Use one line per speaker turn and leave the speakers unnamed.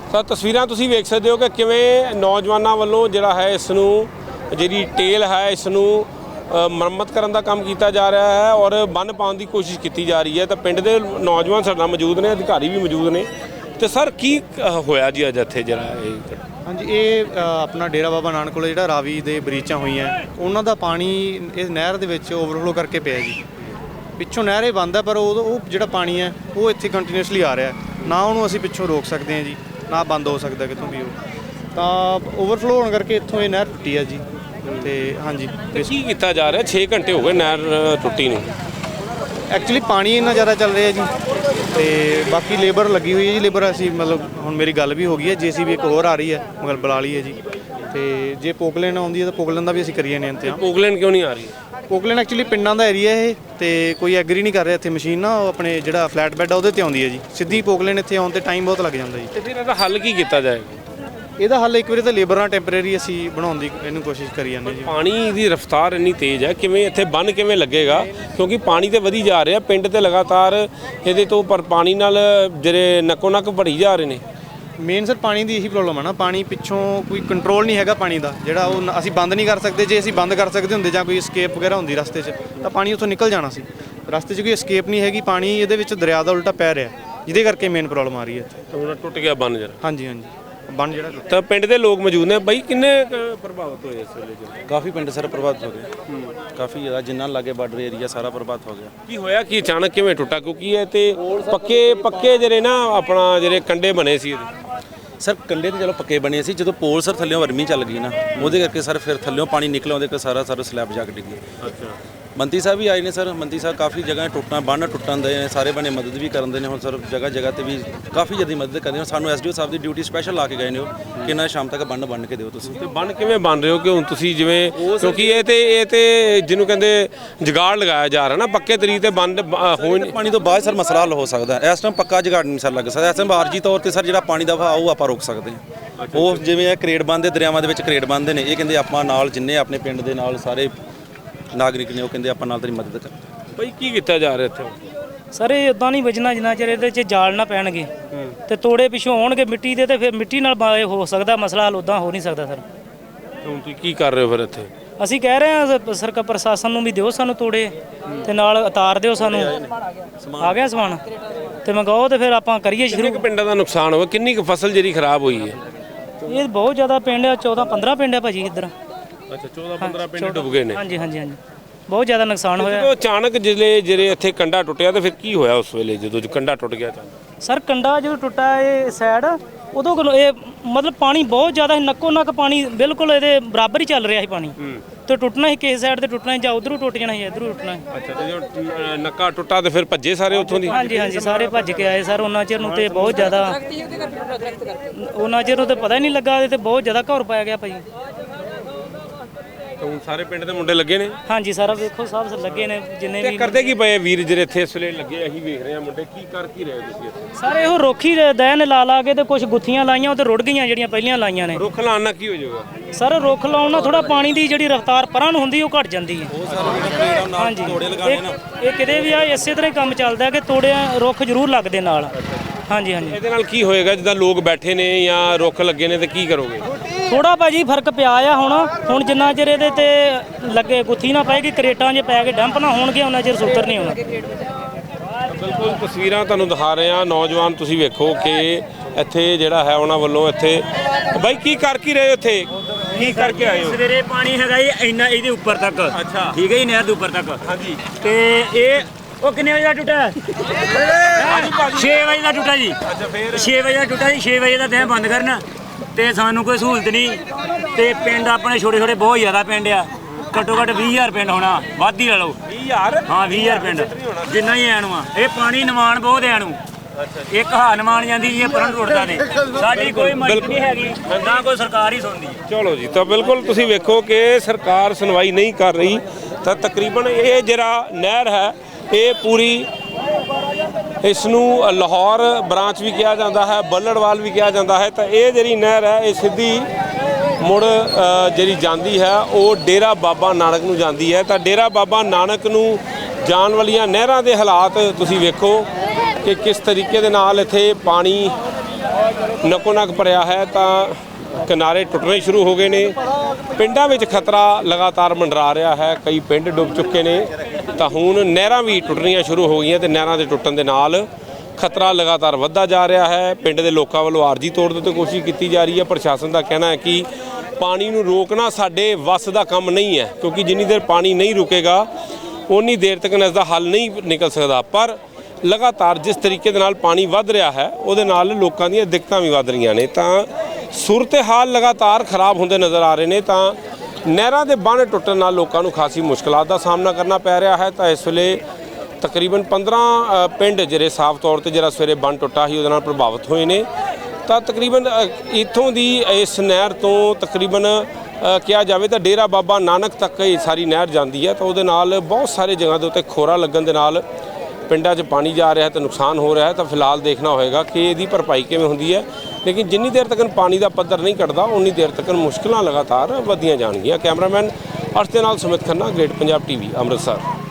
ਤਾਂ ਤਸਵੀਰਾਂ ਤੁਸੀਂ ਵੇਖ ਸਕਦੇ ਹੋ ਕਿ ਕਿਵੇਂ ਨੌਜਵਾਨਾਂ ਵੱਲੋਂ ਜਿਹੜਾ ਹੈ ਇਸ ਨੂੰ ਜਿਹੜੀ ਟੇਲ ਹੈ ਇਸ ਨੂੰ ਮੁਰੰਮਤ ਕਰਨ ਦਾ ਕੰਮ ਕੀਤਾ ਜਾ ਰਿਹਾ ਹੈ ਔਰ ਬੰਨ੍ਹ ਪਾਉਣ ਦੀ ਕੋਸ਼ਿਸ਼ ਕੀਤੀ ਜਾ ਰਹੀ ਹੈ। ਤਾਂ ਪਿੰਡ ਦੇ ਨੌਜਵਾਨ ਸਾਡੇ ਨਾਲ ਮੌਜੂਦ ਨੇ, ਅਧਿਕਾਰੀ ਵੀ ਮੌਜੂਦ ਨੇ। ਤੇ ਸਰ ਕੀ ਹੋਇਆ ਜੀ ਅੱਜ ਇੱਥੇ ਜਿਹੜਾ ਇਹ?
ਹਾਂਜੀ, ਇਹ ਆਪਣਾ ਡੇਰਾ ਬਾਬਾ ਨਾਨਕ ਕੋਲ ਜਿਹੜਾ ਰਾਵੀ ਦੇ ਬਰੀਚਾਂ ਹੋਈਆਂ ਉਹਨਾਂ ਦਾ ਪਾਣੀ ਇਸ ਨਹਿਰ ਦੇ ਵਿੱਚ ਓਵਰਫਲੋ ਕਰਕੇ ਪਿਆ ਜੀ। ਪਿੱਛੋਂ ਨਹਿਰ ਇਹ ਬੰਦ ਹੈ ਪਰ ਉਹ ਜਿਹੜਾ ਪਾਣੀ ਹੈ ਉਹ ਇੱਥੇ ਕੰਟੀਨਿਊਸਲੀ ਆ ਰਿਹਾ, ਨਾ ਉਹਨੂੰ ਅਸੀਂ ਪਿੱਛੋਂ ਰੋਕ ਸਕਦੇ ਹਾਂ ਜੀ, ਨਾ ਬੰਦ ਹੋ ਸਕਦਾ ਕਿਤੋਂ ਵੀ। ਉਹ ਤਾਂ ਓਵਰਫਲੋ ਹੋਣ ਕਰਕੇ ਇੱਥੋਂ ਇਹ ਨਹਿਰ ਟੁੱਟੀ ਹੈ ਜੀ। ਤੇ ਹਾਂਜੀ,
ਕੀ ਕੀਤਾ ਜਾ ਰਿਹਾ? 6 ਘੰਟੇ ਹੋ ਗਏ ਨਹਿਰ ਟੁੱਟੀ ਨੂੰ।
ਐਕਚੁਅਲੀ ਪਾਣੀ ਇੰਨਾ ਜ਼ਿਆਦਾ ਚੱਲ ਰਿਹਾ ਜੀ ਤੇ ਬਾਕੀ ਲੇਬਰ ਲੱਗੀ ਹੋਈ ਹੈ ਜੀ। ਲੇਬਰ ਅਸੀਂ ਮਤਲਬ ਹੁਣ ਮੇਰੀ ਗੱਲ ਵੀ ਹੋ ਗਈ ਹੈ, JCB ਇੱਕ ਹੋਰ ਆ ਰਹੀ ਹੈ, ਮਗਰ ਬੁਲਾ ਲਈ ਹੈ ਜੀ। ਤੇ ਜੇ ਪੋਕਲੇਨ ਆਉਂਦੀ ਹੈ ਤਾਂ ਪੋਕਲੇਨ ਦਾ ਵੀ ਅਸੀਂ ਕਰੀਏ ਨੇ ਇੰਤਜ਼ਾਮ।
ਪੋਕਲੇਨ ਕਿਉਂ ਨਹੀਂ ਆ ਰਹੀ?
ਪੋਕਲੇਨ ਐਕਚੁਅਲੀ ਪਿੰਡਾਂ ਦਾ ਏਰੀਆ ਇਹ ਤੇ ਕੋਈ ਐਗਰੀ ਨਹੀਂ ਕਰ ਰਿਹਾ ਇੱਥੇ ਮਸ਼ੀਨ ਨਾ, ਉਹ ਆਪਣੇ ਜਿਹੜਾ ਫਲੈਟ ਬੈੱਡ ਆ ਉਹਦੇ ਤੇ ਆਉਂਦੀ ਹੈ ਜੀ। ਸਿੱਧੀ ਪੋਕਲੇਨ ਇੱਥੇ ਆਉਣ ਤੇ ਟਾਈਮ ਬਹੁਤ ਲੱਗ ਜਾਂਦਾ ਜੀ।
ਤੇ ਫਿਰ ਇਹਦਾ ਹੱਲ ਕੀ ਕੀਤਾ ਜਾਏਗਾ?
ਇਹਦਾ ਹੱਲ ਇੱਕ ਵਾਰੀ ਤਾਂ ਲੇਬਰ ਨਾਲ ਟੈਂਪਰੇਰੀ ਅਸੀਂ ਬਣਾਉਣ ਦੀ ਇਹਨੂੰ ਕੋਸ਼ਿਸ਼ ਕਰੀ ਜਾਂਦੇ ਜੀ।
ਪਾਣੀ ਦੀ ਰਫ਼ਤਾਰ ਇੰਨੀ ਤੇਜ਼ ਹੈ, ਕਿਵੇਂ ਇੱਥੇ ਬੰਨ੍ਹ ਕਿਵੇਂ ਲੱਗੇਗਾ? ਕਿਉਂਕਿ ਪਾਣੀ ਤੇ ਵਧੀ ਜਾ ਰਿਹਾ ਪਿੰਡ ਤੇ ਲਗਾਤਾਰ ਇਹਦੇ ਤੋਂ ਪਰ ਪਾਣੀ ਨਾਲ ਜਿਹੜੇ ਨੱਕੋ ਨੱਕ ਭਰੀ ਜਾ ਰਹੇ ਨੇ।
ਮੇਨ ਸਰ ਪਾਣੀ ਦੀ ਇਹੀ ਪ੍ਰੋਬਲਮ ਹੈ ਨਾ, ਪਾਣੀ ਪਿੱਛੋਂ ਕੋਈ ਕੰਟਰੋਲ ਨਹੀਂ ਹੈਗਾ ਪਾਣੀ ਦਾ, ਜਿਹੜਾ ਉਹ ਅਸੀਂ ਬੰਦ ਨਹੀਂ ਕਰ ਸਕਦੇ। ਜੇ ਅਸੀਂ ਬੰਦ ਕਰ ਸਕਦੇ ਹੁੰਦੇ ਜਾਂ ਕੋਈ escape ਵਗੈਰਾ ਹੁੰਦੀ ਰਸਤੇ 'ਚ ਤਾਂ ਪਾਣੀ ਉੱਥੋਂ ਨਿਕਲ ਜਾਣਾ ਸੀ। ਰਸਤੇ 'ਚ ਕੋਈ escape ਨਹੀਂ ਹੈਗੀ, ਪਾਣੀ ਇਹਦੇ ਵਿੱਚ ਦਰਿਆ ਦਾ ਉਲਟਾ ਪੈ ਰਿਹਾ, ਜਿਹਦੇ ਕਰਕੇ ਮੇਨ ਪ੍ਰੋਬਲਮ ਆ ਰਹੀ ਹੈ ਇੱਥੇ।
ਹੁਣ ਟੁੱਟ ਗਿਆ ਬੰਨ੍ਹ ਜਰਾ।
ਹਾਂਜੀ ਹਾਂਜੀ, ਬੰਨ੍ਹ ਜਿਹੜਾ ਟੁੱਟਿਆ।
ਤਾਂ ਪਿੰਡ ਦੇ ਲੋਕ ਮੌਜੂਦ ਨੇ ਬਾਈ, ਕਿੰਨੇ ਪ੍ਰਭਾਵਿਤ ਹੋਏ ਇਸ ਵੇਲੇ?
ਕਾਫੀ ਪਿੰਡ ਸਰ ਪ੍ਰਭਾਵਿਤ ਹੋ ਗਏ, ਕਾਫੀ ਜ਼ਿਆਦਾ, ਜਿੰਨਾ ਲਾਗੇ ਬਾਰਡਰ ਏਰੀਆ ਸਾਰਾ ਪ੍ਰਭਾਵਿਤ ਹੋ ਗਿਆ।
ਕੀ ਹੋਇਆ ਕੀ ਅਚਾਨਕ ਕਿਵੇਂ ਟੁੱਟਾ? ਕਿਉਂਕਿ ਇਹ ਤੇ ਪੱਕੇ ਜਿਹੜੇ ਨਾ ਆਪਣਾ ਜਿਹੜੇ ਕੰਡੇ ਬਣੇ ਸੀ ਇਹਦੇ।
ਸਰ ਕੰਡੇ ਤੇ ਚਲੋ ਪੱਕੇ ਬਣੇ ਸੀ, ਜਦੋਂ ਪੋਲ ਸਰ ਥੱਲਿਓਂ ਵਰਮੀ ਚੱਲ ਗਈ ਨਾ, ਉਹਦੇ ਕਰਕੇ ਸਰ ਫਿਰ ਥੱਲਿਓਂ ਪਾਣੀ ਨਿਕਲ ਆਉਂਦੇ ਕਿ ਸਾਰਾ ਸਲੈਬ ਜਾ ਕੇ ਡਿੱਗੀ।
ਅੱਛਾ,
ਮੰਤਰੀ ਸਾਹਿਬ ਵੀ ਆਏ ਨੇ ਸਰ, ਮੰਤਰੀ ਸਾਹਿਬ ਕਾਫੀ ਜਗ੍ਹਾ ਟੁੱਟਾਂ ਬੰਨ੍ਹ ਟੁੱਟਣ ਦੇ ਸਾਰੇ ਬਣੇ ਮਦਦ ਵੀ ਕਰਨ ਦੇ ਨੇ। ਹੁਣ ਸਰ ਜਗ੍ਹਾ ਤੇ ਵੀ ਕਾਫੀ ਜ਼ਿਆਦਾ ਮਦਦ ਕਰਦੇ ਨੇ। ਸਾਨੂੰ SDO ਸਾਹਿਬ ਦੀ ਡਿਊਟੀ ਸਪੈਸ਼ਲ ਲਾ ਕੇ ਗਏ ਨੇ ਉਹ ਕਿ ਇਹਨਾਂ ਸ਼ਾਮ ਤੱਕ ਬੰਨ ਕੇ ਦਿਓ ਤੁਸੀਂ।
ਤੇ ਬੰਨ ਕਿਵੇਂ ਬਣ ਰਹੇ ਹੋ ਕਿ ਹੁਣ ਤੁਸੀਂ ਜਿਵੇਂ, ਕਿਉਂਕਿ ਇਹ ਤੇ ਜਿਹਨੂੰ ਕਹਿੰਦੇ ਜੁਗਾੜ ਲਗਾਇਆ ਜਾ ਰਿਹਾ ਨਾ, ਪੱਕੇ ਤਰੀਕੇ ਤੇ ਬੰਨ ਹੋ ਨਹੀਂ।
ਪਾਣੀ ਤੋਂ ਬਾਅਦ ਸਰ ਮਸਲਾ ਹੱਲ ਹੋ ਸਕਦਾ, ਇਸ ਟਾਈਮ ਪੱਕਾ ਜੁਗਾੜ ਨਹੀਂ ਸਰ ਲੱਗ ਸਕਦਾ। ਇਸ ਟਾਈਮ ਆਰਜੀ ਤੌਰ ਤੇ ਸਰ ਜਿਹੜਾ ਪਾਣੀ ਦਾ ਵਹਾਅ ਉਹ ਆਪਾਂ ਰੋਕ ਸਕਦੇ ਹਾਂ। ਉਹ ਜਿਵੇਂ ਇਹ ਕਰੇਡ ਬੰਨ੍ਹਦੇ, ਦਰਿਆਵਾਂ ਦੇ ਵਿੱਚ ਕਰੇਡ ਬੰਨ੍ਹਦੇ ਨੇ, ਇਹ ਕਹਿੰਦੇ ਆਪਾਂ ਨਾਲ ਜਿੰਨੇ ਆਪਣੇ ਪਿੰਡ ਦੇ ਨਾਲ ਸਾਰੇ ਨਾਗਰਿਕ ਨੇ ਉਹ ਕਹਿੰਦੇ ਆਪਾਂ ਨਾਲ ਤੇਰੀ ਮਦਦ ਕਰ।
ਭਾਈ ਕੀ ਕੀਤਾ ਜਾ ਰਿਹਾ ਇੱਥੇ?
ਸਰ ਇਹ ਉਦਾਂ ਨਹੀਂ ਵੱਜਣਾ ਜਿੰਨਾ ਚਿਰ ਇਹਦੇ 'ਚ ਜਾਲ ਨਾ ਪੈਣਗੇ ਤੇ ਤੋੜੇ ਪਿੱਛੋਂ ਆਉਣਗੇ ਮਿੱਟੀ ਦੇ, ਤੇ ਫਿਰ ਮਿੱਟੀ ਨਾਲ ਹੋ ਸਕਦਾ ਮਸਲਾ ਹੱਲ, ਉਦਾਂ ਹੋ ਨਹੀਂ ਸਕਦਾ ਸਰ।
ਹੁਣ ਤੁਸੀਂ ਕੀ ਕਰ ਰਹੇ ਹੋ ਫਿਰ ਇੱਥੇ?
ਅਸੀਂ ਕਹਿ ਰਹੇ ਹਾਂ ਸਰਕਾਰ ਪ੍ਰਸ਼ਾਸਨ ਨੂੰ ਵੀ ਦਿਓ ਸਾਨੂੰ ਤੋੜੇ ਤੇ ਨਾਲ ਉਤਾਰ ਦਿਓ ਸਾਨੂੰ। ਆ ਗਿਆ ਸਮਾਨ ਤੇ ਮੰਗਾਓ ਤੇ ਫਿਰ ਆਪਾਂ ਕਰੀਏ ਸ਼ੁਰੂ।
ਕਿੰਨੇ ਕੁ ਪਿੰਡਾਂ ਦਾ ਨੁਕਸਾਨ ਹੋਇਆ? ਕਿੰਨੀ ਕੁ ਫਸਲ ਜਿਹੜੀ ਖਰਾਬ ਹੋਈ ਹੈ?
ਇਹ ਬਹੁਤ ਜ਼ਿਆਦਾ ਪਿੰਡ ਆ, 14-15 ਪਿੰਡ ਆ ਭਾਜੀ ਇੱਧਰ।
ਅੱਛਾ, 14-15 ਪਿੰਡ ਡੁੱਬ ਗਏ ਨੇ।
ਹਾਂਜੀ ਹਾਂਜੀ ਹਾਂਜੀ, ਬਹੁਤ ਜ਼ਿਆਦਾ ਨੁਕਸਾਨ ਹੋਇਆ।
ਜਦੋਂ ਅਚਾਨਕ ਜਿਹੜੇ ਇੱਥੇ ਕੰਡਾ ਟੁੱਟਿਆ ਤੇ ਫਿਰ ਕੀ ਹੋਇਆ ਉਸ ਵੇਲੇ ਜਦੋਂ ਕੰਡਾ ਟੁੱਟ ਗਿਆ ਅਚਾਨਕ?
ਸਰ ਕੰਡਾ ਜਦੋਂ ਟੁੱਟਾ ਇਹ ਸਾਈਡ, ਉਦੋਂ ਕੋਲ ਇਹ ਮਤਲਬ ਪਾਣੀ ਬਹੁਤ ਜ਼ਿਆਦਾ ਸੀ, ਨੱਕੋ ਨੱਕ ਪਾਣੀ ਬਿਲਕੁਲ ਇਹਦੇ ਬਰਾਬਰ ਹੀ ਚੱਲ ਰਿਹਾ ਸੀ ਪਾਣੀ। ਤੇ ਟੁੱਟਣਾ ਸੀ ਕਿਸੇ ਸਾਈਡ ਤੇ ਟੁੱਟਣਾ ਸੀ, ਜਾਂ ਉਧਰੋਂ ਟੁੱਟ ਜਾਣਾ ਸੀ, ਇਧਰੋਂ ਟੁੱਟਣਾ ਸੀ।
ਅੱਛਾ, ਤੇ ਜਦੋਂ ਨੱਕਾ ਟੁੱਟਾ ਤੇ ਫਿਰ ਭੱਜੇ ਸਾਰੇ ਉੱਥੋਂ ਦੀ?
ਹਾਂਜੀ ਹਾਂਜੀ, ਸਾਰੇ ਭੱਜ ਕੇ ਆਏ ਸਰ। ਉਹਨਾਂ ਚਿਰ ਨੂੰ ਤੇ ਬਹੁਤ ਜ਼ਿਆਦਾ, ਉਹਨਾਂ ਚਿਰ ਨੂੰ ਤੇ ਪਤਾ ਹੀ ਨਹੀਂ ਲੱਗਾ ਤੇ ਬਹੁਤ ਜ਼ਿਆਦਾ ਘਰ ਪਾਇਆ ਗਿਆ ਭਾਜੀ।
ਹੁਣ ਸਾਰੇ ਪਿੰਡ ਦੇ ਮੁੰਡੇ ਲੱਗੇ ਨੇ?
ਹਾਂਜੀ, ਸਾਰਾ ਵੇਖੋ ਸਭ ਲੱਗੇ ਨੇ ਜਿੰਨੇ ਵੀ।
ਕਰਦੇ ਕੀ ਪਏ ਵੀਰ ਜਿਹੜੇ ਇੱਥੇ ਇਸ ਵੇਲੇ ਲੱਗੇ? ਅਸੀਂ ਵੇਖ ਰਹੇ ਹਾਂ ਮੁੰਡੇ ਕੀ ਕਰ ਕੀ ਰਹੇ ਤੁਸੀਂ ਇੱਥੇ?
ਸਾਰੇ ਇਹੋ ਰੋਖੀ ਦੈਨ ਲਾ ਕੇ ਤੇ ਕੁਝ ਗੁੱਥੀਆਂ ਲਾਈਆਂ, ਉਹ ਤੇ ਰੁੜ ਗਈਆਂ ਜਿਹੜੀਆਂ ਪਹਿਲੀਆਂ ਲਾਈਆਂ ਨੇ।
ਰੁੱਖ ਲਾਉਣ ਨਾਲ ਕੀ ਹੋ ਜਾਊਗਾ?
ਸਰ ਰੁੱਖ ਲਾਉਣ ਨਾਲ ਥੋੜਾ ਪਾਣੀ ਦੀ ਜਿਹੜੀ ਰਫ਼ਤਾਰ ਪਰਾਂ ਨੂੰ ਹੁੰਦੀ ਉਹ ਘਟ ਜਾਂਦੀ ਹੈ। ਹਾਂਜੀ, ਇਹ ਕਿਤੇ ਵੀ ਆ ਇਸੇ ਤਰ੍ਹਾਂ ਹੀ ਕੰਮ ਚੱਲਦਾ ਕਿ ਰੁੱਖ ਜ਼ਰੂਰ ਲੱਗਦੇ ਨਾਲ। ਹਾਂਜੀ ਹਾਂਜੀ,
ਇਹਦੇ ਨਾਲ ਕੀ ਹੋਏਗਾ? ਜਿੱਦਾਂ ਲੋਕ ਬੈਠੇ ਨੇ ਜਾਂ ਰੁੱਖ ਲੱਗੇ ਨੇ ਤੇ ਕੀ ਕਰੋਗੇ?
ਥੋੜਾ ਭਾਜੀ ਫਰਕ ਪਿਆ ਆ ਹੁਣ ਜਿੰਨਾ ਚਿਰ ਇਹਦੇ ਤੇ ਲੱਗੇ ਗੁੱਥੀ ਨਾ ਪਏਗੀ, ਕਰੇਟਾਂ 'ਚ ਪੈ ਕੇ ਡੰਪ ਨਾ ਹੋਣਗੇ, ਉਹਨਾਂ ਚਿਰ ਸੁੱਤਰ ਨਹੀਂ ਹੋਣਾ।
ਬਿਲਕੁਲ ਤਸਵੀਰਾਂ ਤੁਹਾਨੂੰ ਦਿਖਾ ਰਹੇ ਹਾਂ। ਨੌਜਵਾਨ ਤੁਸੀਂ ਵੇਖੋ ਕਿ ਇੱਥੇ ਜਿਹੜਾ ਹੈ ਉਹਨਾਂ ਵੱਲੋਂ ਇੱਥੇ ਬਾਈ ਕੀ ਕਰ ਕੀ ਰਹੇ ਇੱਥੇ? ਕੀ ਕਰਕੇ ਆਏ ਹੋ?
ਸਵੇਰੇ ਪਾਣੀ ਹੈਗਾ ਜੀ ਇੰਨਾ ਇਹਦੇ ਉੱਪਰ ਤੱਕ।
ਅੱਛਾ,
ਠੀਕ ਹੈ ਜੀ, ਨਹਿਰ ਦੇ ਉੱਪਰ ਤੱਕ।
ਹਾਂਜੀ,
ਤੇ ਇਹ ਉਹ ਕਿੰਨੇ ਵਜੇ ਦਾ ਟੁੱਟਾ? 6 ਵਜੇ ਦਾ ਟੁੱਟਾ ਜੀ।
ਅੱਛਾ, ਫਿਰ
6 ਵਜੇ ਦਾ ਟੁੱਟਾ ਜੀ। 6 ਵਜੇ ਦਾ ਦਹਿ ਬੰਦ ਕਰਨਾ ਤੇ ਸਾਨੂੰ ਕੋਈ ਸਹੂਲਤ ਨਹੀਂ। ਤੇ ਪਿੰਡ ਆਪਣੇ ਛੋਟੇ ਛੋਟੇ ਬਹੁਤ ਜ਼ਿਆਦਾ ਪਿੰਡ ਆ, ਘੱਟੋ ਘੱਟ 20,000 ਪਿੰਡ ਹੋਣਾ, ਵੱਧ ਹੀ ਲਾ ਲਓ।
20,000?
ਹਾਂ 20,000 ਪਿੰਡ ਜਿੰਨਾ ਹੀ ਐ ਨੂੰ ਆ। ਇਹ ਪਾਣੀ ਨਿਮਾਣ ਬਹੁਤ ਐ ਨੂੰ, ਇੱਕ ਹਾ ਨਿਮਾਣ ਜਾਂਦੀ ਜੀ, ਪਰਨ ਟੁੱਟਦਾ ਨੇ। ਸਾਡੀ ਕੋਈ ਮਦਦ ਨਹੀਂ ਹੈਗੀ, ਨਾ ਕੋਈ ਸਰਕਾਰ ਹੀ ਸੁਣਦੀ।
ਚਲੋ ਜੀ, ਤਾਂ ਬਿਲਕੁਲ ਤੁਸੀਂ ਵੇਖੋ ਕਿ ਸਰਕਾਰ ਸੁਣਵਾਈ ਨਹੀਂ ਕਰ ਰਹੀ। ਤਾਂ ਤਕਰੀਬਨ ਇਹ ਜਿਹੜਾ ਨਹਿਰ ਹੈ ਇਹ ਪੂਰੀ, ਇਸ ਨੂੰ ਲਾਹੌਰ ਬ੍ਰਾਂਚ ਵੀ ਕਿਹਾ ਜਾਂਦਾ ਹੈ, ਬੱਲੜਵਾਲ ਵੀ ਕਿਹਾ ਜਾਂਦਾ ਹੈ। ਤਾਂ ਇਹ ਜਿਹੜੀ ਨਹਿਰ ਹੈ ਇਹ ਸਿੱਧੀ ਮੁੜ ਜਿਹੜੀ ਜਾਂਦੀ ਹੈ ਉਹ ਡੇਰਾ ਬਾਬਾ ਨਾਨਕ ਨੂੰ ਜਾਂਦੀ ਹੈ। ਤਾਂ ਡੇਰਾ ਬਾਬਾ ਨਾਨਕ ਨੂੰ ਜਾਣ ਵਾਲੀਆਂ ਨਹਿਰਾਂ ਦੇ ਹਾਲਾਤ ਤੁਸੀਂ ਵੇਖੋ ਕਿ ਕਿਸ ਤਰੀਕੇ ਦੇ ਨਾਲ ਇੱਥੇ ਪਾਣੀ ਨਕੋ ਨਕ ਭਰਿਆ ਹੈ ਤਾਂ ਕਿਨਾਰੇ ਟੁੱਟਣੇ ਸ਼ੁਰੂ ਹੋ ਗਏ ਨੇ। ਪਿੰਡਾਂ ਵਿੱਚ ਖਤਰਾ ਲਗਾਤਾਰ ਮੰਡਰਾ ਰਿਹਾ ਹੈ, ਕਈ ਪਿੰਡ ਡੁੱਬ ਚੁੱਕੇ ਨੇ ਤਾਂ ਹੁਣ ਨਹਿਰਾਂ ਵੀ ਟੁੱਟਣੀਆਂ ਸ਼ੁਰੂ ਹੋ ਗਈਆਂ ਤੇ ਨਹਿਰਾਂ ਦੇ ਟੁੱਟਣ ਦੇ ਨਾਲ ਖਤਰਾ ਲਗਾਤਾਰ ਵੱਧਦਾ ਜਾ ਰਿਹਾ ਹੈ। ਪਿੰਡ ਦੇ ਲੋਕਾਂ ਵੱਲੋਂ ਆਰਜੀ ਤੌਰ ਤੇ ਕੋਸ਼ਿਸ਼ ਕੀਤੀ ਜਾ ਰਹੀ ਹੈ। ਪ੍ਰਸ਼ਾਸਨ ਦਾ ਕਹਿਣਾ ਹੈ ਕਿ ਪਾਣੀ ਨੂੰ ਰੋਕਣਾ ਸਾਡੇ ਵੱਸ ਦਾ ਕੰਮ ਨਹੀਂ ਹੈ, ਕਿਉਂਕਿ ਜਿੰਨੀ ਦੇਰ ਪਾਣੀ ਨਹੀਂ ਰੁਕੇਗਾ ਉਨੀ ਦੇਰ ਤੱਕ ਇਸ ਦਾ ਹੱਲ ਨਹੀਂ ਨਿਕਲ ਸਕਦਾ। ਪਰ ਲਗਾਤਾਰ ਜਿਸ ਤਰੀਕੇ ਦੇ ਨਾਲ ਪਾਣੀ ਵੱਧ ਰਿਹਾ ਹੈ ਉਹਦੇ ਨਾਲ ਲੋਕਾਂ ਦੀਆਂ ਦਿੱਕਤਾਂ ਵੀ ਵੱਧ ਰਹੀਆਂ ਨੇ ਤਾਂ ਸੂਰਤ-ਏ-ਹਾਲ ਲਗਾਤਾਰ ਖਰਾਬ ਹੁੰਦੇ ਨਜ਼ਰ ਆ ਰਹੇ ਨੇ। ਤਾਂ ਨਹਿਰਾਂ ਦੇ ਬੰਨ੍ਹ ਟੁੱਟਣ ਨਾਲ ਲੋਕਾਂ ਨੂੰ ਖਾਸੀ ਮੁਸ਼ਕਲਾਂ ਦਾ ਸਾਹਮਣਾ ਕਰਨਾ ਪੈ ਰਿਹਾ ਹੈ। ਤਾਂ ਇਸ ਵੇਲੇ ਤਕਰੀਬਨ 15 ਪਿੰਡ ਜਿਹੜੇ ਸਾਫ਼ ਤੌਰ ਤੇ ਜਿਹੜਾ ਸਵੇਰੇ ਬੰਨ੍ਹ ਟੁੱਟਾ ਸੀ ਉਹਦੇ ਨਾਲ ਪ੍ਰਭਾਵਿਤ ਹੋਏ ਨੇ। ਤਾਂ ਤਕਰੀਬਨ ਇੱਥੋਂ ਦੀ ਇਸ ਨਹਿਰ ਤੋਂ ਤਕਰੀਬਨ ਕਿਹਾ ਜਾਵੇ ਤਾਂ ਡੇਰਾ ਬਾਬਾ ਨਾਨਕ ਤੱਕ ਇਹ ਸਾਰੀ ਨਹਿਰ ਜਾਂਦੀ ਹੈ ਤਾਂ ਉਹਦੇ ਨਾਲ ਬਹੁਤ ਸਾਰੇ ਜਗ੍ਹਾ ਦੇ ਉੱਤੇ ਖੋਰਾ ਲੱਗਣ ਦੇ ਨਾਲ ਪਿੰਡਾਂ 'ਚ ਪਾਣੀ ਜਾ ਰਿਹਾ ਤੇ ਨੁਕਸਾਨ ਹੋ ਰਿਹਾ ਹੈ। ਤਾਂ ਫਿਲਹਾਲ ਦੇਖਣਾ ਹੋਏਗਾ ਕਿ ਇਹਦੀ ਭਰਪਾਈ ਕਿਵੇਂ ਹੁੰਦੀ ਹੈ, ਲੇਕਿਨ ਜਿੰਨੀ ਦੇਰ ਤੱਕ ਪਾਣੀ ਦਾ ਪੱਧਰ ਨਹੀਂ ਘਟਦਾ ਉਨੀ ਦੇਰ ਤੱਕ ਮੁਸ਼ਕਲਾਂ ਲਗਾਤਾਰ ਵਧੀਆਂ ਜਾਣਗੀਆਂ। ਕੈਮਰਾਮੈਨ ਅਰਸ਼ ਦੇ ਨਾਲ ਸੁਮਿਤ ਖੰਨਾ, ਗ੍ਰੇਟ ਪੰਜਾਬ ਟੀਵੀ, ਅੰਮ੍ਰਿਤਸਰ।